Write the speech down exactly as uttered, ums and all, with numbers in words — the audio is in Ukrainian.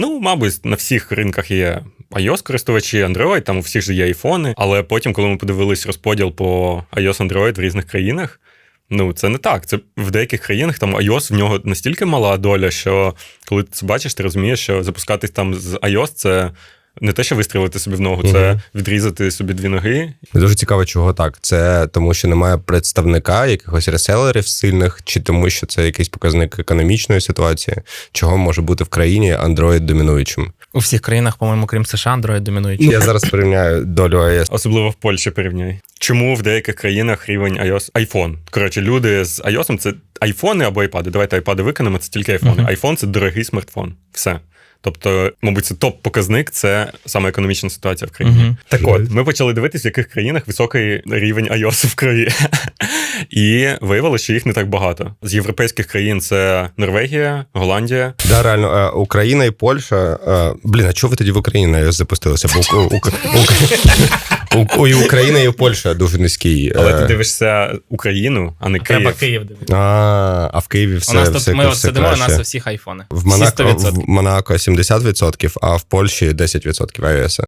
Ну, мабуть, на всіх ринках є iOS-користувачі, Android, там у всіх же є айфони, але потім, коли ми подивились розподіл по iOS, Android в різних країнах, ну, це не так. Це в деяких країнах там iOS, в нього настільки мала доля, що коли ти це бачиш, ти розумієш, що запускатись там з iOS – це не те, що вистрілити собі в ногу, це угу. відрізати собі дві ноги. Дуже цікаво, чого так. Це тому, що немає представника якихось реселерів сильних, чи тому, що це якийсь показник економічної ситуації, чого може бути в країні Android домінуючим? У всіх країнах, по-моєму, крім США, Android домінуючий. Я зараз порівняю долю iOS. Особливо в Польщі порівняй. Чому в деяких країнах рівень iOS? iPhone. Коротше, люди з iOS – це айфони або айпади. Давайте айпади виконемо, це тільки айфони. Uh-huh. Айфон – це дорогий смартфон. Все. Тобто, мабуть, це топ-показник, це саме економічна ситуація в країні. Uh-huh. Так от, ми почали дивитися, в яких країнах високий рівень iOS в крові. І виявилося, що їх не так багато. З європейських країн це Норвегія, Голландія. Да, реально, Україна і Польща. Блін, а чого ви тоді в Україні на iOS запустилися? Бо у, у, у, і Україна, і Польща дуже низький. Але ти дивишся Україну, а не Київ. Треба Київ дивитися. А, а в Києві все, у нас все, тут, ми все сидимо, краще. у нас у всіх айфони. В Монако, в Монако сімдесят відсотків, а в Польщі десять відсотків iOS.